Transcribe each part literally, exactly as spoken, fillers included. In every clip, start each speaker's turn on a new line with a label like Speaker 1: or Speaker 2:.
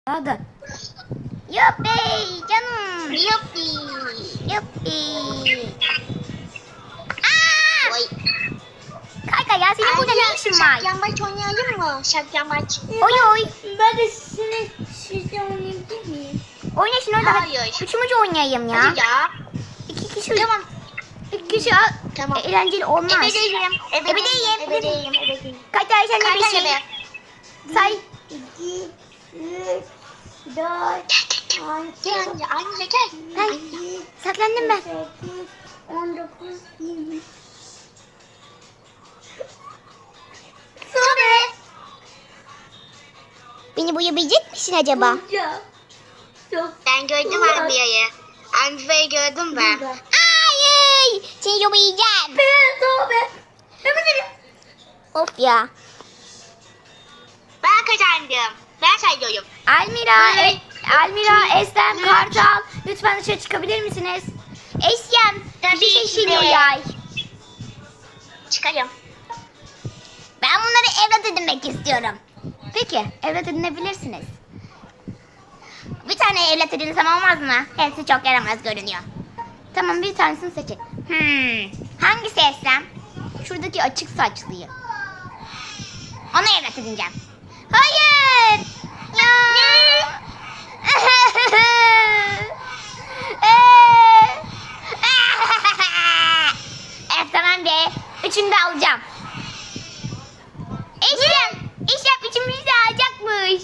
Speaker 1: Hadi. Yuppi canım.
Speaker 2: Yuppi.
Speaker 1: Yuppi. Aa!
Speaker 2: Oy.
Speaker 1: Kanka ya senin burada ne işin var?
Speaker 2: Şakyamaç oynayalım mı? Şakyamaç.
Speaker 1: Oy oy.
Speaker 3: Ben de sizin sizle oynayabilir miyim?
Speaker 1: Oyna şimdi orada.
Speaker 2: Hayır.
Speaker 1: Üçümüzü oynayayım ya.
Speaker 2: Hadi ya.
Speaker 1: İki kişi.
Speaker 2: Tamam.
Speaker 1: İki kişi al.
Speaker 2: Tamam.
Speaker 1: Eğlenceli olmaz.
Speaker 2: Ebedeyim.
Speaker 1: Ebedeyim.
Speaker 2: Ebedeyim. Ebedeyim.
Speaker 1: Kaç ay sen de bir
Speaker 2: Kaç
Speaker 1: şey.
Speaker 2: ebe?
Speaker 1: Say.
Speaker 3: İki, üç, dört,
Speaker 2: Gel anne. Anne gel.
Speaker 1: Ben saklandım ben.
Speaker 3: sekiz, on dokuz, yirmi.
Speaker 1: Sobe. Beni buyabilecek misin acaba?
Speaker 3: Ya. Çok
Speaker 2: Ben gördüm Anbia'yı. Anbia'yı gördüm ben.
Speaker 3: güzel.
Speaker 1: Ay, seni yubayacağım.
Speaker 3: Ben sobe. Hemen
Speaker 1: Of ya.
Speaker 2: Ben kazandım. Ben sayıyorum.
Speaker 1: Almira,
Speaker 2: Evet.
Speaker 1: e, Almira, Eslem,
Speaker 2: Evet.
Speaker 1: Kartal. Lütfen dışarı çıkabilir misiniz? Eslem,
Speaker 2: Tabii
Speaker 1: bir şey
Speaker 2: ki
Speaker 1: şişiriyor
Speaker 2: de.
Speaker 1: yay.
Speaker 2: Çıkarım.
Speaker 1: Ben bunları evlat edinmek istiyorum. Peki, evlat edinebilirsiniz. Bir tane evlat edinsem olmaz mı? Hepsi çok yaramaz görünüyor. Tamam, bir tanesini seçin. Hmm, hangisi Eslem? Şuradaki açık saçlıyı. Onu evlat edineceğim. Hayır! Ya! Evet tamam be. Üçünü de alacağım. Eşref! Eşref üçümüzü de alacakmış.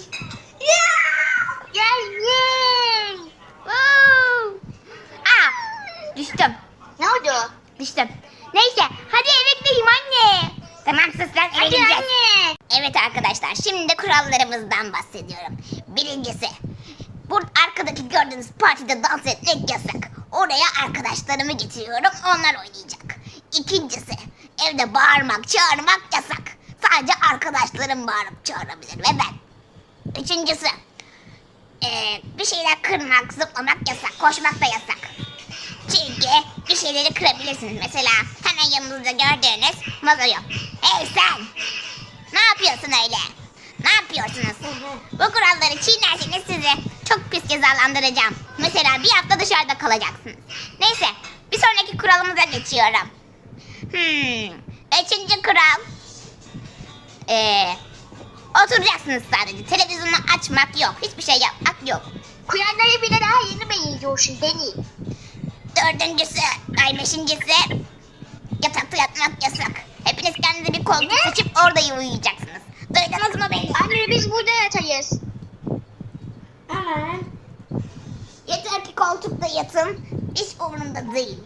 Speaker 2: Gel yay.
Speaker 1: Woo! Aa, düştüm.
Speaker 2: Ne oldu?
Speaker 1: Düştüm. Neyse hadi eve gideyim anne. Tamam sus lan eve
Speaker 2: Hadi
Speaker 1: gideceğiz.
Speaker 2: anne.
Speaker 1: Evet arkadaşlar şimdi de kurallarımızdan bahsediyorum. Birincisi bu arkadaki gördüğünüz partide dans etmek yasak. Oraya arkadaşlarımı getiriyorum onlar oynayacak. İkincisi evde bağırmak çağırmak yasak. Sadece arkadaşlarım bağırıp çağırabilir ve ben. Üçüncüsü eee, bir şeyler kırmak zıplamak yasak koşmak da yasak. Çünkü bir şeyleri kırabilirsiniz. Mesela hemen yanınızda gördüğünüz vazoyu. Hey sen! Ne yapıyorsun öyle? Ne yapıyorsunuz? Bu kuralları çiğnerseniz sizi çok pis cezalandıracağım. Mesela bir hafta dışarıda kalacaksınız. Neyse bir sonraki kuralımıza geçiyorum. Hmm, üçüncü kural. Ee, oturacaksınız sadece. Televizyonu açmak yok. Hiçbir şey yapmak yok.
Speaker 2: Kuyanları bile daha yeni mi yiyorsun Deni?
Speaker 1: Dördüncüsü, ay beşincisi yatakta yatmak yasak. Hepiniz kendinize bir koltuk
Speaker 2: Ne?
Speaker 1: seçip orada uyuyacaksınız. Duydunuz mu beni?
Speaker 2: Anne biz burada yatayız.
Speaker 3: Hemen.
Speaker 1: Yeter ki koltukta yatın. Hiç umurumda değil.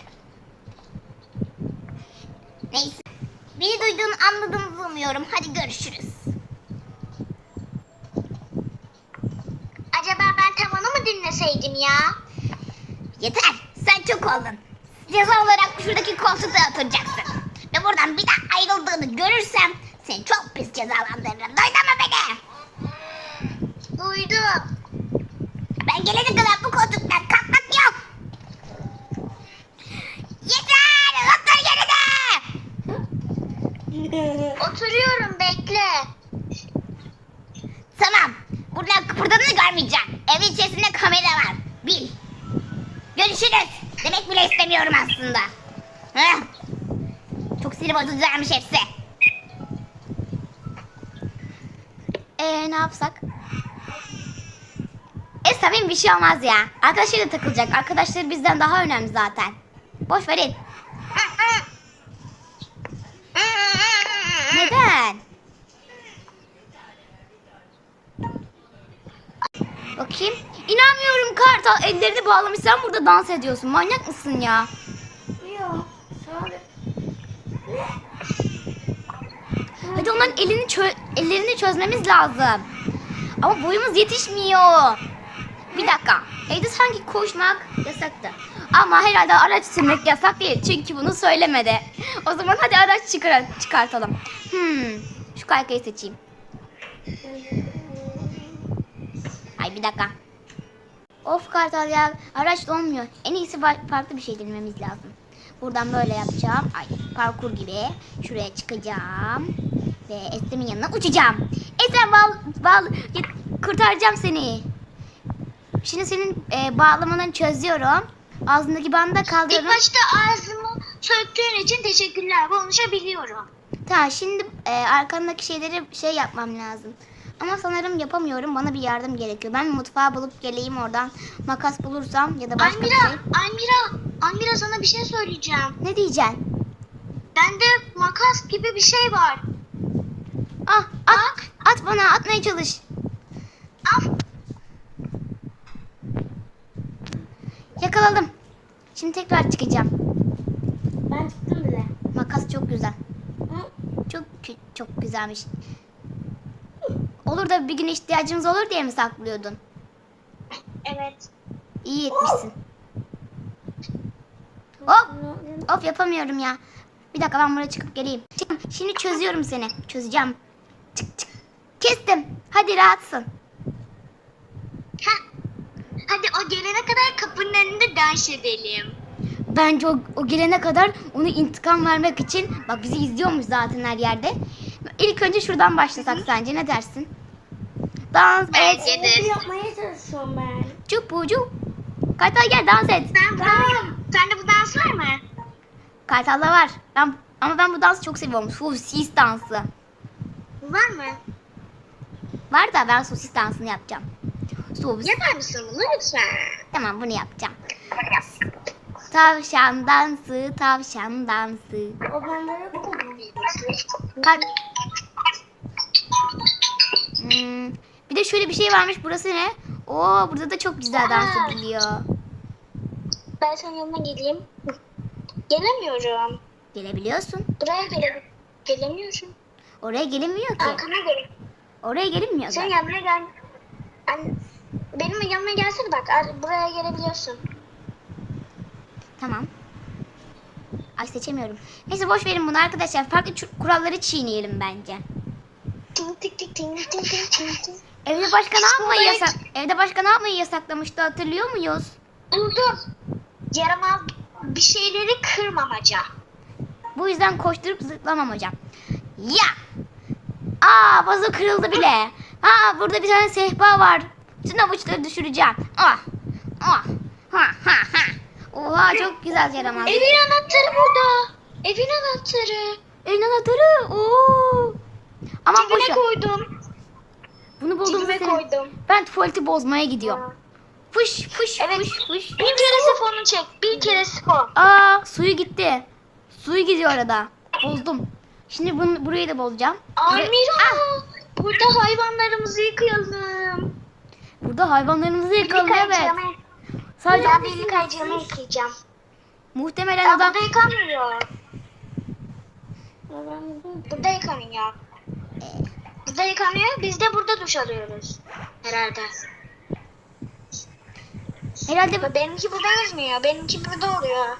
Speaker 1: Neyse. Beni duyduğunu anladığınızı umuyorum. Hadi görüşürüz.
Speaker 2: Acaba ben tavanı mı dinleseydim ya?
Speaker 1: Yeter. Sen çok oldun. Ceza olarak şuradaki koltukta oturacaksın. Ve buradan bir daha ayrıldığını görürsem seni çok pis cezalandırırım. Duydun mu beni?
Speaker 2: Duydum.
Speaker 1: Ben gelene kadar bu koltuktan kalkmak yok. Yeter! Otur yerine!
Speaker 2: Oturuyorum bekle.
Speaker 1: Tamam. Buradan kıpırdadığını görmeyeceğim. Evin içerisinde kamera var. Bil. Görüşürüz. Demek bile istemiyorum aslında. Heh. Çok sinir bozucularmış hepsi. Eee ne yapsak? E tabii bir şey olmaz ya. Arkadaşları takılacak. Arkadaşları bizden daha önemli zaten. Boş verin. Neden? Bakayım. İnanmıyorum Kartal. Ellerini bağlamış. Sen burada dans ediyorsun. Manyak mısın ya?
Speaker 3: Yok. Sobe.
Speaker 1: Hadi onların elini çö- ellerini çözmemiz lazım. Ama boyumuz yetişmiyor. Bir dakika. Evde sanki koşmak yasaktı. Ama herhalde araç sürmek yasak değil. Çünkü bunu söylemedi. O zaman hadi araç çıkar çıkartalım. Hmm. Şu kaykayı seçeyim. Ay bir dakika. Of Kartal ya. Araç da olmuyor. En iyisi fa- farklı bir şey denememiz lazım. Buradan böyle yapacağım. Ay parkur gibi. Şuraya çıkacağım. Ve Eslem'in yanına uçacağım. Eslem bal, bal kurtaracağım seni. Şimdi senin e, bağlamanı çözüyorum. Ağzındaki bandı da
Speaker 2: İlk
Speaker 1: kaldırıyorum.
Speaker 2: başta ağzımı söktüğün için teşekkürler. Konuşabiliyorum.
Speaker 1: Tamam şimdi e, arkandaki şeyleri şey yapmam lazım. Ama sanırım yapamıyorum. Bana bir yardım gerekiyor. Ben mutfağı bulup geleyim oradan. Makas bulursam ya da başka
Speaker 2: Almira,
Speaker 1: bir şey.
Speaker 2: Almira, Almira sana bir şey söyleyeceğim.
Speaker 1: Ne diyeceksin?
Speaker 2: Bende makas gibi bir şey var.
Speaker 1: Ah at,
Speaker 2: Bak.
Speaker 1: at bana atmaya çalış.
Speaker 2: Al.
Speaker 1: Yakaladım. Şimdi tekrar çıkacağım.
Speaker 3: Ben çıktım bile.
Speaker 1: Makas çok güzel.
Speaker 3: Hı?
Speaker 1: Çok kü- çok güzelmiş. Olur da bir gün ihtiyacımız olur diye mi saklıyordun?
Speaker 2: Evet.
Speaker 1: İyi etmişsin. Hop. Of yapamıyorum ya. Bir dakika ben buraya çıkıp geleyim. Çık- Şimdi çözüyorum seni. Çözeceğim. Çık çık. Kestim. Hadi rahatsın.
Speaker 2: Heh. Hadi o gelene kadar kapının önünde dans edelim.
Speaker 1: Bence o, o gelene kadar onu intikam vermek için bak bizi izliyormuş zaten her yerde. İlk önce şuradan başlasak sence ne dersin? Dans et.
Speaker 2: Bence de.
Speaker 3: Evet, yapmaya çalışıyorum ben.
Speaker 1: Çupucu. Kartal gel dans et.
Speaker 2: Sen bu, sende bu dans var mı?
Speaker 1: Kartal'da var. Ben, ama ben bu dansı çok seviyorum. Sosis dansı.
Speaker 2: Var mı?
Speaker 1: Var da ben sosis dansını yapacağım. Sosis.
Speaker 2: Yapar mısın bunu lütfen?
Speaker 1: Tamam bunu yapacağım. Tavşan dansı, tavşan dansı.
Speaker 3: O bende yok mu?
Speaker 1: Kalk. Hmm, bir de şöyle bir şey varmış. Burası ne? Oo burada da çok güzel dans ediliyor.
Speaker 2: Ben senin yanına geleyim. Gelemiyorum.
Speaker 1: Gelebiliyorsun.
Speaker 2: Buraya gele gelemiyorum.
Speaker 1: Oraya gelinmiyor ki.
Speaker 2: Arkana gel.
Speaker 1: Oraya gelinmiyor
Speaker 2: Sen
Speaker 1: da.
Speaker 2: yanıma gel. Anne, benim yanıma gelsene bak. ar- Buraya gelebiliyorsun.
Speaker 1: Tamam. Ay seçemiyorum. Neyse boş verin bunu arkadaşlar. Farklı çu- kuralları çiğneyelim bence.
Speaker 2: Ting tik tik ting ting ting ting ting.
Speaker 1: Evde başka ne yapmayı
Speaker 2: Sonra-
Speaker 1: yasak? Evde başka ne yapmayı yasaklamıştı hatırlıyor muyuz?
Speaker 2: Buldum. Yaramaz bir şeyleri kırmamaca.
Speaker 1: Bu yüzden koşturup zıplamam hocam. Ya! Aa vazo kırıldı bile. Aa burada bir tane sehpa var. Bütün avuçları düşüreceğim. Ah! Ah! Ha ha ha! Oha çok güzel yaramaz.
Speaker 2: Evin anahtarı burada. Evin anahtarı.
Speaker 1: Evin anahtarı. Oo! Ama
Speaker 2: Cebime
Speaker 1: boşa.
Speaker 2: koydum.
Speaker 1: Bunu buldum
Speaker 2: Cebime
Speaker 1: seni.
Speaker 2: koydum.
Speaker 1: Ben tuvaleti bozmaya gidiyorum. Fış fış
Speaker 2: Evet.
Speaker 1: fış fış.
Speaker 2: Bir kere sifonu çek. Bir kere sifon.
Speaker 1: Aa suyu gitti. Suyu gidiyor arada. Bozdum. Şimdi bunu burayı da bozacağım. Buraya-
Speaker 2: Almira.
Speaker 1: Ah!
Speaker 2: Burada hayvanlarımızı yıkayalım.
Speaker 1: Burada hayvanlarımızı yakalım
Speaker 2: Birlik
Speaker 1: evet.
Speaker 2: ayıcığımı-
Speaker 1: Sadece
Speaker 2: Ben birlik ayıcığımı yıkayacağım.
Speaker 1: muhtemelen
Speaker 2: Ya
Speaker 1: adam
Speaker 2: burada yıkanmıyor.
Speaker 3: Ya ben buldum.
Speaker 2: Burada yıkanıyor. Burada yıkanıyor. Biz de burada duş alıyoruz. Herhalde.
Speaker 1: herhalde
Speaker 2: Ve benimki burada yazmıyor. Benimki burada oluyor.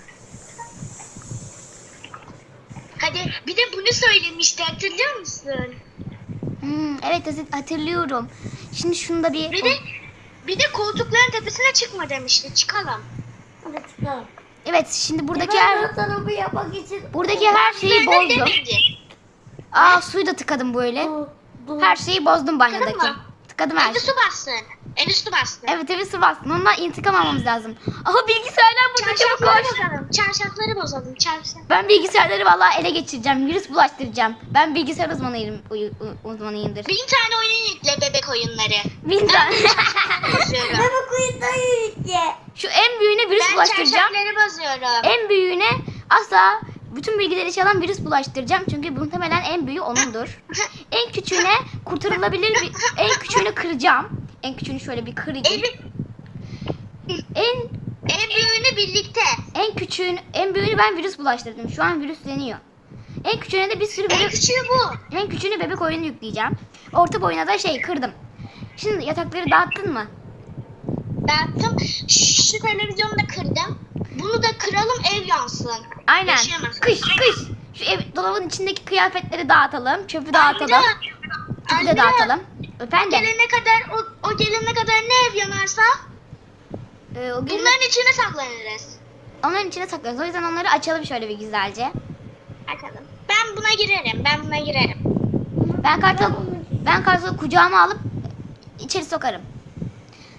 Speaker 2: Hadi bir de bunu söylemişti hatırlıyor musun?
Speaker 1: Hmm, evet hat- hatırlıyorum. Şimdi şunu da bir
Speaker 2: Bir de bir de koltukların tepesine çıkma demişti. Çıkalım.
Speaker 3: Hadi çıkalım.
Speaker 1: evet şimdi buradaki
Speaker 3: Ben
Speaker 1: her
Speaker 3: bu tarafı yapmak için...
Speaker 1: buradaki her şeyi
Speaker 2: Ben de
Speaker 1: bozdum.
Speaker 2: demedi.
Speaker 1: Aa suyu da tıkadım böyle.
Speaker 3: Dur, dur.
Speaker 1: Her şeyi bozdum banyodaki.
Speaker 2: Tıkadın mı?
Speaker 1: Tıkadım her
Speaker 2: En üstü
Speaker 1: şeyi.
Speaker 2: bassın. En üstü bassın.
Speaker 1: Evet evet su bastın. Ondan intikam almamız lazım. Aha bilgisayarlar burada çabuk
Speaker 2: Çarşafları
Speaker 1: koş.
Speaker 2: bozalım. Çarşafları bozalım. Çarşaf.
Speaker 1: Ben bilgisayarları vallahi ele geçireceğim. Virüs bulaştıracağım. Ben bilgisayar uzmanıyım, uy- u- uzmanıyımdır.
Speaker 2: Bin tane oyun yükle bebek oyunları.
Speaker 1: Bin tane.
Speaker 2: Bozuyorum.
Speaker 3: Bebek uyutayı yükle.
Speaker 1: Şu en büyüğüne virüs
Speaker 2: Ben
Speaker 1: bulaştıracağım.
Speaker 2: çarşafları bozuyorum.
Speaker 1: En büyüğüne asla bütün bilgileri çalan virüs bulaştıracağım. Çünkü muhtemelen en büyüğü onundur. En küçüğüne kurtarılabilir bir... En küçüğünü kıracağım. En küçüğünü şöyle bir kırayım.
Speaker 2: Evi,
Speaker 1: En
Speaker 2: en büyüğünü birlikte.
Speaker 1: en küçüğün en büyüğünü ben virüs bulaştırdım. Şu an virüsleniyor. En küçüğüne de bir sürü
Speaker 2: En
Speaker 1: bebek,
Speaker 2: küçüğü bu.
Speaker 1: en küçüğüne bebek oyunu yükleyeceğim. Orta boyuna da şey kırdım. Şimdi yatakları dağıttın mı?
Speaker 2: Dağıttım. Şu televizyonu da kırdım. Bunu da kıralım ev yansın.
Speaker 1: Aynen.
Speaker 2: Yaşayamaz.
Speaker 1: Kış kış. Şu ev, dolabın içindeki kıyafetleri dağıtalım. Çöpü dağıtalım.
Speaker 2: Almira,
Speaker 1: Çöpü de
Speaker 2: Almira,
Speaker 1: dağıtalım.
Speaker 2: O
Speaker 1: Efendim?
Speaker 2: gelene kadar o, o gelene kadar ne ev yanarsa
Speaker 1: Ee, o gün
Speaker 2: bunların içine saklanırız.
Speaker 1: onların içine saklıyoruz. O yüzden onları açalım şöyle bir güzelce.
Speaker 2: Bakalım. Ben buna girerim. Ben buna girerim.
Speaker 1: Ben kartal ben kartalı kucağıma alıp içeri sokarım.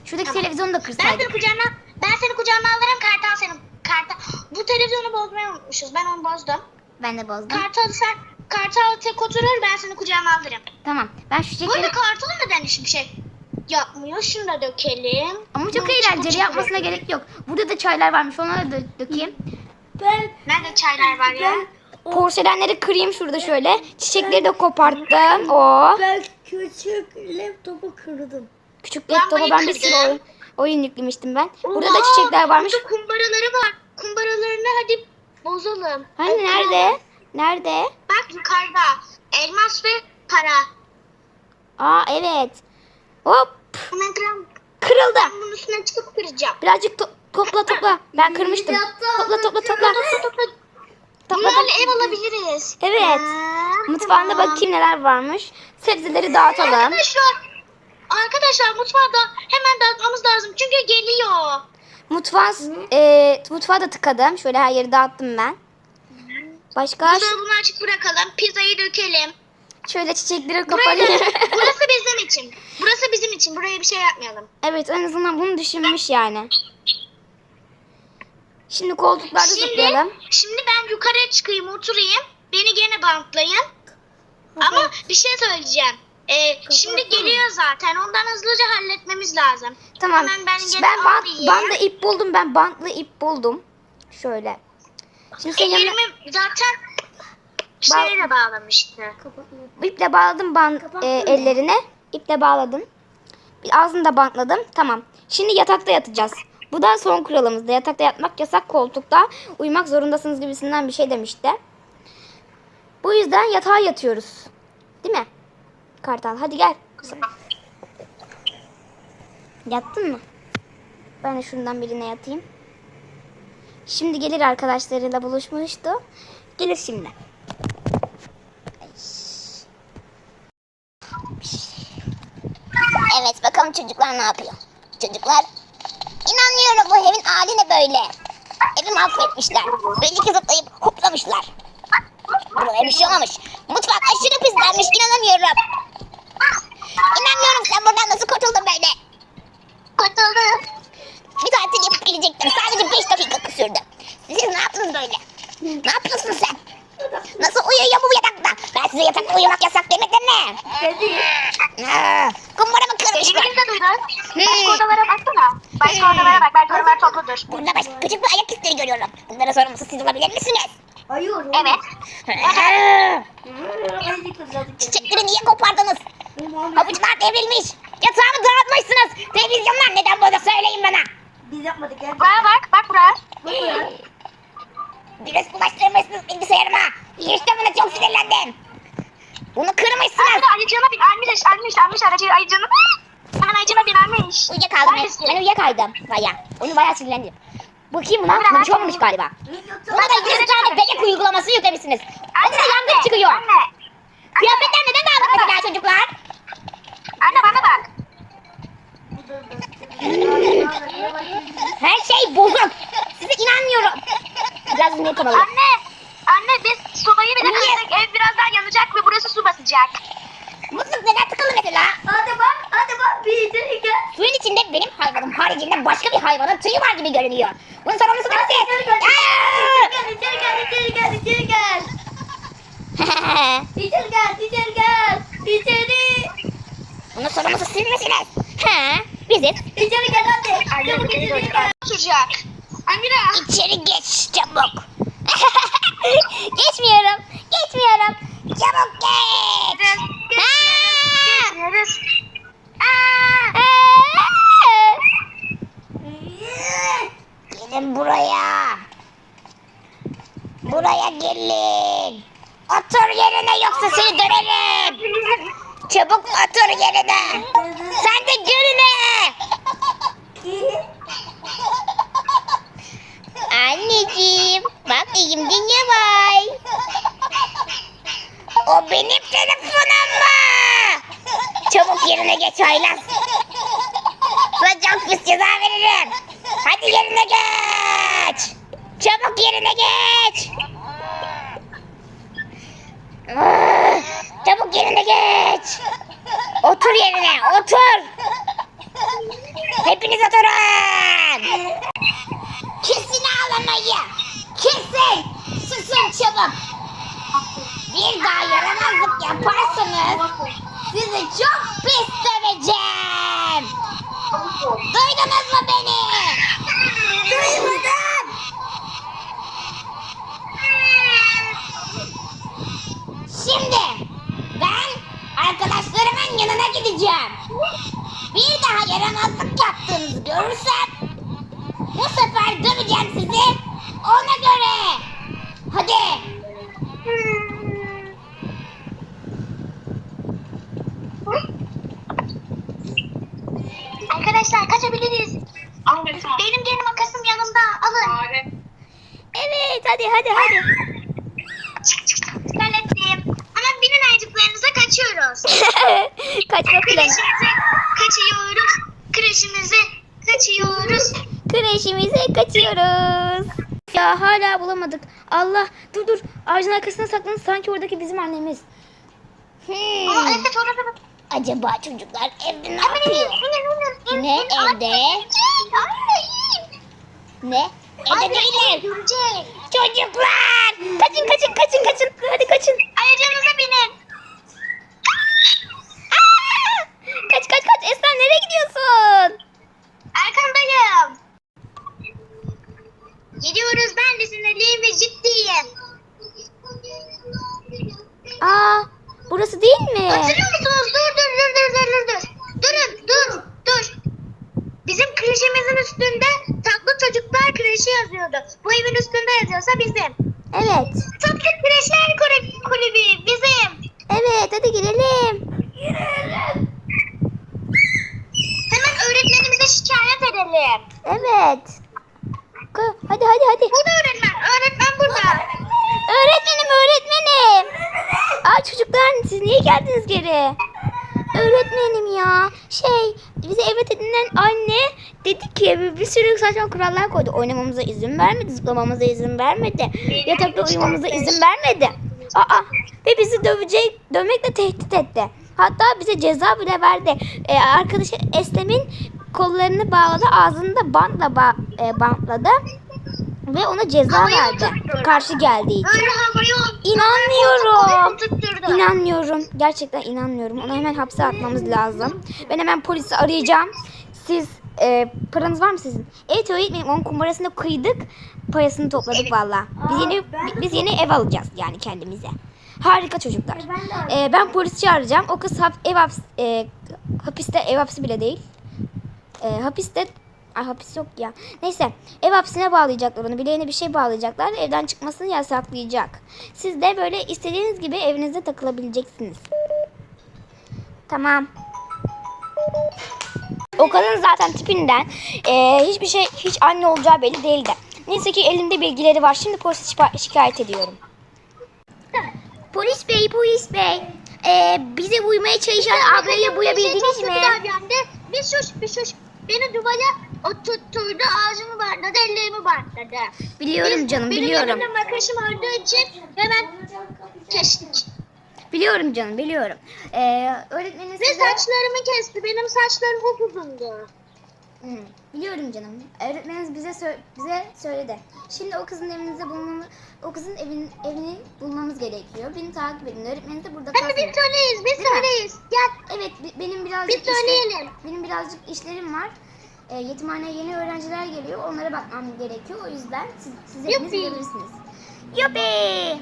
Speaker 1: Şuradaki
Speaker 2: Tamam.
Speaker 1: televizyonu da
Speaker 2: Ben seni
Speaker 1: kırsaydık.
Speaker 2: kucağıma, ben seni kucağıma alırım. Kartal senin. Kartal. Bu televizyonu bozmayı unutmuşuz. Ben onu bozdum.
Speaker 1: Ben de bozdum.
Speaker 2: Kartal sen, Kartal tek oturur. Ben seni kucağıma alırım.
Speaker 1: Tamam. Ben şu
Speaker 2: Bu
Speaker 1: çiçekleri...
Speaker 2: arada Kartal neden hiçbir şey yapmıyor? Şunu da dökelim.
Speaker 1: Ama çok
Speaker 2: Bunu
Speaker 1: eğlenceli.
Speaker 2: çabuk
Speaker 1: Yapmasına
Speaker 2: çabuk.
Speaker 1: gerek yok. Burada da çaylar varmış. Onları da dökeyim.
Speaker 3: Ben
Speaker 2: Nerede çaylar var ya?
Speaker 1: Porselenleri kırayım şurada şöyle. Çiçekleri de koparttım. Oo.
Speaker 3: ben küçük laptopu kırdım.
Speaker 1: Küçük
Speaker 2: Ben
Speaker 1: laptopa
Speaker 2: bunu
Speaker 1: ben bir sürü
Speaker 2: kırdım.
Speaker 1: oyun, oyun yüklemiştim ben. Burada da
Speaker 2: Oha,
Speaker 1: çiçekler varmış.
Speaker 2: Burada kumbaraları var. Kumbaralarını hadi bozalım.
Speaker 1: Hani
Speaker 2: Ay,
Speaker 1: nerede?
Speaker 2: kıralım.
Speaker 1: Nerede?
Speaker 2: Bak yukarıda. Elmas ve para.
Speaker 1: Aa evet. Hop.
Speaker 2: Hemen kıralım.
Speaker 1: Kırıldı.
Speaker 2: Ben bunun üstüne çıkıp kıracağım.
Speaker 1: Birazcık to- topla topla. Ben kırmıştım. Topla topla topla.
Speaker 2: Topla topla.
Speaker 1: Topla
Speaker 2: Bunlarla
Speaker 1: topla.
Speaker 2: ev alabiliriz.
Speaker 1: Evet.
Speaker 2: Ha,
Speaker 1: Mutfağında
Speaker 2: tamam.
Speaker 1: bakayım neler varmış. Sebzeleri dağıtalım.
Speaker 2: Arkadaşlar. Arkadaşlar mutfağı da hemen dağıtmamız lazım. Çünkü geliyor.
Speaker 1: Mutfağı, e, mutfağı da tıkadım. Şöyle her yeri dağıttım ben. Başka
Speaker 2: Buzdolabını açık bırakalım. Pizzayı dökelim.
Speaker 1: şöyle çiçekleri
Speaker 2: Burası,
Speaker 1: kapatayım.
Speaker 2: burası bizim için. Burası bizim için. Buraya bir şey yapmayalım.
Speaker 1: Evet en azından bunu düşünmüş yani. Şimdi koltuklarda
Speaker 2: Şimdi,
Speaker 1: zıplayalım.
Speaker 2: şimdi ben yukarıya çıkayım, oturayım. Beni gene bantlayın. Ama bir şey söyleyeceğim. Ee, şimdi geliyor zaten. Ondan hızlıca halletmemiz lazım.
Speaker 1: Tamam.
Speaker 2: Hemen ben gene
Speaker 1: Ben bant,
Speaker 2: alayım.
Speaker 1: bantlı ip buldum. Ben bantlı ip buldum. Şöyle. Şimdi senin yanına
Speaker 2: Ellerimi zaten şeyle bağlamıştı.
Speaker 1: iple bağladım bant e, ellerine. İple bağladım. Bir ağzını da bantladım. Tamam. Şimdi yatakta yatacağız. Bu da son kuralımızda. Yatakta yatmak yasak, koltukta uyumak zorundasınız gibisinden bir şey demişti. Bu yüzden yatağa yatıyoruz. Değil mi? Kartal hadi gel. Kızım. Yattın mı? Ben de şundan birine yatayım. Şimdi gelir arkadaşlarıyla buluşmuştu. Gelir şimdi. Evet bakalım çocuklar ne yapıyor. Çocuklar inanmıyorum bu evin hali ne böyle. Evi mahvetmişler. Belli ki zıplayıp hoplamışlar. Buraya bir şey olmamış. Mutfak aşırı pislenmiş inanamıyorum. İnanmıyorum sen buradan nasıl kurtuldun böyle.
Speaker 2: Kurtuldum.
Speaker 1: Bir tatil yapıp gelecektim. Sadece beş dakika sürdü. Siz ne yaptınız böyle? Ne yapıyorsun sen? Nasıl uyuyor bu yatakta? Ben size yatakta uyumak yasak demedim mi? Aa, Kumbara mı kırmışlar?
Speaker 2: Dediğimizi de duydun.
Speaker 1: Hmm.
Speaker 2: Başka odalara baksana. Başka odalara bak. Belki oralar topludur.
Speaker 1: Burada baş, küçük bir ayak izleri görüyorum. Bunlara sorumlusu siz olabilir misiniz?
Speaker 3: Hayır.
Speaker 2: Evet.
Speaker 1: Çiçekleri niye kopardınız? Havuçlar devrilmiş. Yatağımı dağıtmışsınız. Televizyonlar neden burada söyleyin bana.
Speaker 3: Biz yapmadık ya.
Speaker 2: Buraya bak. Bak buraya.
Speaker 1: Virüs bulaştırmışsınız bilgisayarıma. İşte buna çok sinirlendim. Bunu kırmışsınız.
Speaker 2: Arada ayıcığına bin. Almış. Almış. Almış aracı ayıcığını. Hemen ayıcığına bin. Almış.
Speaker 1: Uyuyakaldım.
Speaker 2: Neredesin?
Speaker 1: Ben uyuyakaydım. Baya. Onu bayağı sinirlendim. Bakayım buna. Buna bir şey olmamış galiba. Buna da yüz tane bebek uygulaması yüklemişsiniz. Anne yangın çıkıyor.
Speaker 2: Anne.
Speaker 1: Kıyafetler neden dağınık mesela çocuklar?
Speaker 2: Anne bana bak.
Speaker 1: Her şey bozuk. Size inanmıyorum. Biraz bunu yapalım.
Speaker 2: Anne. Anne biz sobayı bile
Speaker 1: Niye?
Speaker 2: kırdık. Ev birazdan yanacak ve burası su basacak.
Speaker 1: Musluk neden tıkalı mesela?
Speaker 3: Hadi bak, hadi bak bir içeri gel.
Speaker 1: Suyun içinde benim hayvanım haricinde başka bir hayvanın tüyü var gibi görünüyor. Bunun sorumlusu da siz. Aa!
Speaker 3: Gel, içeri gel, içeri gel, içeri gel. İçeri gel, içeri gel. İçeri.
Speaker 1: Bunun sorumlusu siz misiniz? He, biziz.
Speaker 3: İçeri gel hadi.
Speaker 2: Anne
Speaker 3: Çabuk
Speaker 2: içeri
Speaker 3: içeri
Speaker 2: gel.
Speaker 3: gel.
Speaker 2: Oturacak. Amira.
Speaker 1: İçeri geç çabuk. Geçmiyorum. Geçmiyorum. Çabuk geç. Ha!
Speaker 2: Geçiyoruz.
Speaker 1: Aa! Gelin buraya. Buraya gelin. Otur yerine yoksa seni dönerim. Çabuk otur yerine. Sen de gülme. Anneciğim, bak elimde ne var? O benim telefonum mu? Çabuk yerine geç Aylaz. Sana çok pis ceza veririm. Hadi yerine geç. Çabuk yerine geç. Ah, çabuk yerine geç. Otur yerine, otur. Hepiniz yaparsanız sizi çok pis döveceğim. Duydunuz mu beni? Duymadım. Şimdi ben arkadaşlarımın yanına gideceğim. Bir daha yaramazlık yaptığınızı görürsem bu sefer döveceğim sizi. Ona göre. Hadi.
Speaker 2: Arkadaşlar kaçabiliriz. Benim gene makasım yanımda. Alın.
Speaker 1: Evet hadi hadi hadi.
Speaker 2: Hallettim. Ama binin ayıcıklarınıza kaçıyoruz.
Speaker 1: Kaçma planı.
Speaker 2: Kreşimize kaçıyoruz. Kreşimize kaçıyoruz.
Speaker 1: Kreşimize kaçıyoruz. Ya hala bulamadık. Allah dur dur. Ağacın arkasına saklanın. Sanki oradaki bizim annemiz.
Speaker 2: Aa,
Speaker 1: Hmm.
Speaker 2: evet orada da.
Speaker 1: Acaba çocuklar evde ne
Speaker 2: Hemen inin,
Speaker 1: yapıyor?
Speaker 2: inin, inin,
Speaker 1: Ne
Speaker 2: inin. Anne,
Speaker 1: evde?
Speaker 2: Anne, in.
Speaker 1: Ne? Evde
Speaker 2: Anne,
Speaker 1: değiller.
Speaker 2: görecek.
Speaker 1: Çocuklar! Kaçın kaçın kaçın kaçın. Hadi kaçın.
Speaker 2: Ayıcığınıza binin.
Speaker 1: Aa! Kaç kaç kaç. Esra nereye gidiyorsun?
Speaker 2: Arkandayım. Gidiyoruz, ben de sinirliyim ve ciddiyim.
Speaker 1: Aa, burası değil mi?
Speaker 2: Hatırlıyor musunuz? Dur dur dur dur dur dur dur. Durun dur dur. Bizim kreşimizin üstünde tatlı çocuklar kreşi yazıyordu. Bu evin üstünde yazıyorsa bizim.
Speaker 1: Evet.
Speaker 2: Tatlı kreşler kulübü, kulübü bizim.
Speaker 1: Evet hadi girelim.
Speaker 2: Hemen öğretmenimize şikayet edelim.
Speaker 1: Evet. Ka- Hadi hadi hadi.
Speaker 2: Burada öğretmen. Öğretmen burada.
Speaker 1: Öğretmenim öğretmenim. Aa çocuklar siz niye geldiniz geri? Öğretmenim ya. Şey bize evet edinen anne dedi ki bir, bir sürü saçma kurallar koydu. Oynamamıza izin vermedi, zıplamamıza izin vermedi. Yatakta uyumamıza izin vermedi. Aa ve bizi dövecek, dövmekle tehdit etti. Hatta bize ceza bile verdi. Ee, arkadaşı Eslem'in kollarını bağladı, ağzını da bantla ba- e, bantladı. Ve ona ceza
Speaker 2: Havaya
Speaker 1: verdi.
Speaker 2: oturtturdu.
Speaker 1: Karşı geldiği için.
Speaker 2: Öyle havaya
Speaker 1: İnanmıyorum.
Speaker 2: oturtturdu.
Speaker 1: İnanmıyorum. Gerçekten inanmıyorum. Onu hemen hapse atmamız lazım. Ben hemen polisi arayacağım. Siz e, paranız var mı sizin? Evet öğretmenim onun kumbarasını kıydık. Parasını topladık valla. Biz yeni biz yeni ev alacağız yani kendimize. Harika çocuklar. E, ben polis çağıracağım. O kız hap, ev haps, e, hapiste ev hapsi bile değil. E, hapiste Ay hapis yok ya. Neyse ev hapsine bağlayacaklar onu. Bileğine bir şey bağlayacaklar. Evden çıkmasını yasaklayacak. Siz de böyle istediğiniz gibi evinizde takılabileceksiniz. Tamam. O kadın zaten tipinden e, hiçbir şey hiç anne olacağı belli değildi. Neyse ki elinde bilgileri var. Şimdi polise şipa- şikayet ediyorum. Polis bey, polis bey. E, bize uymaya çalışan ablayı bulabildiniz mi?
Speaker 2: Bir sus bir sus. Beni duvara oturtturdu, ağzımı bantladı, ellerimi bantladı.
Speaker 1: Biliyorum
Speaker 2: Biz-
Speaker 1: canım,
Speaker 2: benim
Speaker 1: biliyorum.
Speaker 2: elimde makasım olduğu için hemen kestik.
Speaker 1: Biliyorum canım, biliyorum. Ee, öğretmeniniz
Speaker 2: Ve
Speaker 1: size...
Speaker 2: saçlarımı kesti. Benim saçlarım upuzundu.
Speaker 1: Hı, biliyorum canım. Öğretmeniniz bize sö- bize söyledi. Şimdi o kızın evinizde bulmamız, o kızın evin evini bulmamız gerekiyor. Beni takip edin. Öğretmeniniz de burada
Speaker 2: Hadi
Speaker 1: kalsın.
Speaker 2: biz söyleyiz, biz
Speaker 1: Değil mi?
Speaker 2: söyleyiz. Gel.
Speaker 1: Evet, bi- benim birazcık
Speaker 2: Biz söyleyelim.
Speaker 1: işler- benim birazcık işlerim var. Ee, yetimhaneye yeni öğrenciler geliyor. Onlara bakmam gerekiyor. O yüzden siz, siz hepiniz
Speaker 2: Yuppi.
Speaker 1: gidebilirsiniz. Yuppi!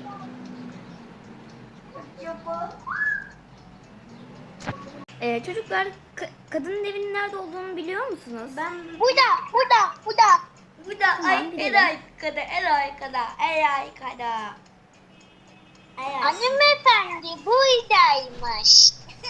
Speaker 1: Ee, çocuklar ka- kadının evinin nerede olduğunu biliyor musunuz? Ben
Speaker 2: Burada, burada, burada.
Speaker 3: Burada
Speaker 1: Tamam,
Speaker 3: ay
Speaker 1: gidelim.
Speaker 3: en arkada, en arkada, en arkada. En arkada.
Speaker 2: Hanımefendi buradaymış.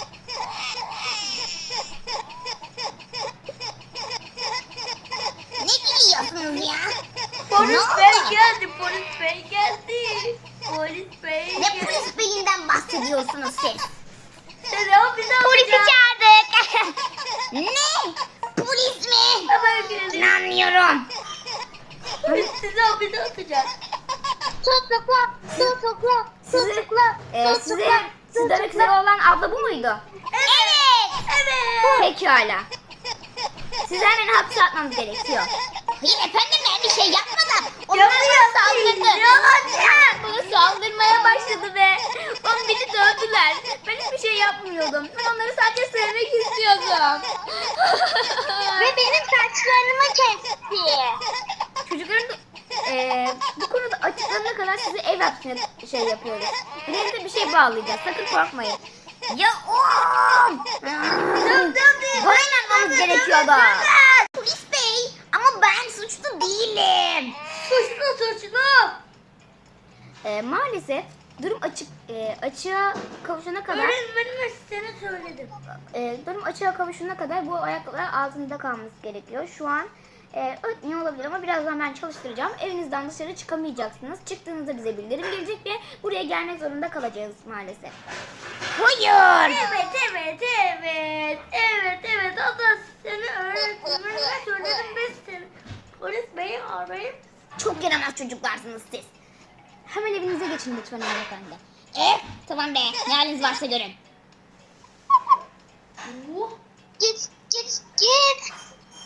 Speaker 1: ne gülüyorsunuz ya?
Speaker 3: Polis
Speaker 1: Ne
Speaker 3: bey
Speaker 1: oldu?
Speaker 3: geldi, polis bey geldi. Polis bey
Speaker 1: Ne
Speaker 3: geldi.
Speaker 1: polis beyinden bahsediyorsunuz siz?
Speaker 3: Sen ne yapıyorsun?
Speaker 1: Polisi çağırdık. ne? Polis mi?
Speaker 3: Hemen gelin.
Speaker 1: İnanmıyorum.
Speaker 3: Polis sizi hapise atacak.
Speaker 2: Tutukla, tutukla, tutukla,
Speaker 1: Ee, size,
Speaker 2: tutukla,
Speaker 1: sizden öksürü olan abla bu muydu? Evet.
Speaker 3: Evet.
Speaker 1: Pekala. Sizi hemen hapse atmamız gerekiyor. Hayır efendim ben bir şey yapmadım. Onlar bana saldırdı. Bana saldırmaya başladı ve onu beni dövdüler. Ben hiçbir şey yapmıyordum. Ben onları sadece sevmek istiyordum.
Speaker 2: Ve benim saçlarımı kesti.
Speaker 1: Çocukların da, eee, bu konuda açıklanana kadar size ev hapsine şey yapıyoruz. Birine bir şey bağlayacağız. Sakın korkmayın. Ya oğlum! Bana inanmamız gerekiyordu. Polis bey ama ben suçlu değilim.
Speaker 3: Suçlu suçlu.
Speaker 1: Eee, maalesef durum açık eee, açığa kavuşana kadar
Speaker 3: Öğretmenime seni söyledim.
Speaker 1: eee, durum açığa kavuşana kadar bu ayakkabılar altında kalması gerekiyor. Şu an eee ötmüyor olabilir ama birazdan ben çalıştıracağım. Evinizden dışarı çıkamayacaksınız. Çıktığınızda bize bildirim gelecek ve buraya gelmek zorunda kalacağız maalesef. Hayır.
Speaker 3: Evet evet evet. Evet evet. O da seni öğretmenime söyledim. Biz seni polis beyi arayıp.
Speaker 1: Çok yaramaz çocuklarsınız siz. Hemen evinize geçin lütfen hanımefendi. Eh tamam be, ne haliniz varsa görün.
Speaker 3: Uh,
Speaker 2: Git git git.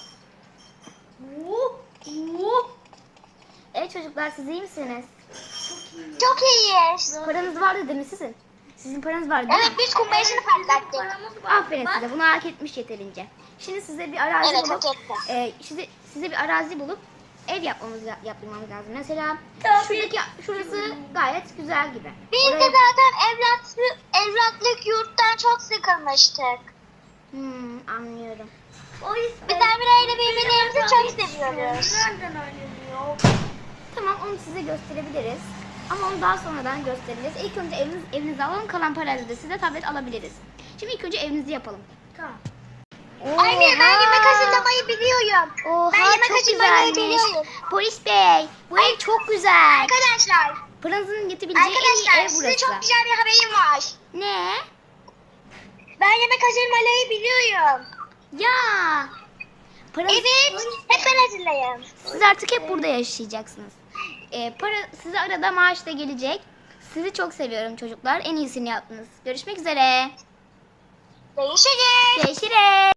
Speaker 3: uh, uh.
Speaker 1: Evet çocuklar, siz iyi misiniz?
Speaker 2: Çok iyiyiz.
Speaker 1: Paranız vardı değil mi sizin? Sizin paranız vardı değil
Speaker 2: Evet
Speaker 1: mi?
Speaker 2: biz kumbarasını patlattık.
Speaker 3: Paramız var.
Speaker 1: Aferin size, bunu hak etmiş yeterince. Şimdi size bir arazi
Speaker 2: Evet,
Speaker 1: bulup,
Speaker 2: hak etti.
Speaker 1: e, size, size bir arazi bulup ev yapmamız yaptırmamız lazım. Mesela
Speaker 3: Tabii.
Speaker 1: şuradaki şurası gayet güzel gibi.
Speaker 2: Biz de
Speaker 1: Oraya-
Speaker 2: zaten evlatlık, evlatlık yurttan çok sıkılmıştık.
Speaker 1: Hmm, anlıyorum.
Speaker 3: Polis
Speaker 2: Biz Emre ile birbirlerimizi çok seviyoruz.
Speaker 3: Nereden öğreniyor?
Speaker 1: Tamam, onu size gösterebiliriz. Ama onu daha sonradan göstereceğiz. İlk önce eviniz, evinizi alalım, kalan parayla da size tablet alabiliriz. Şimdi ilk önce evinizi yapalım.
Speaker 3: Tamam.
Speaker 2: Anne ben yemek hazırlamayı biliyorum.
Speaker 1: Oha,
Speaker 2: Ben yemek
Speaker 1: çok
Speaker 2: hazırlamayı
Speaker 1: güzelmiş.
Speaker 2: biliyorum.
Speaker 1: Polis bey, bu ev çok güzel.
Speaker 2: Arkadaşlar,
Speaker 1: Paranızın yetebileceği en iyi
Speaker 2: arkadaşlar
Speaker 1: ev
Speaker 2: size
Speaker 1: burası.
Speaker 2: çok güzel bir haberim var.
Speaker 1: Ne?
Speaker 2: Ben yemek hazırlamayı biliyorum.
Speaker 1: Ya. Paranız,
Speaker 2: Evet, hep ben hazırlayayım.
Speaker 1: Siz artık hep burada yaşayacaksınız. Ee, para size arada maaş da gelecek. Sizi çok seviyorum çocuklar. En iyisini yaptınız. Görüşmek üzere.
Speaker 2: Görüşürüz.
Speaker 1: Görüşürüz.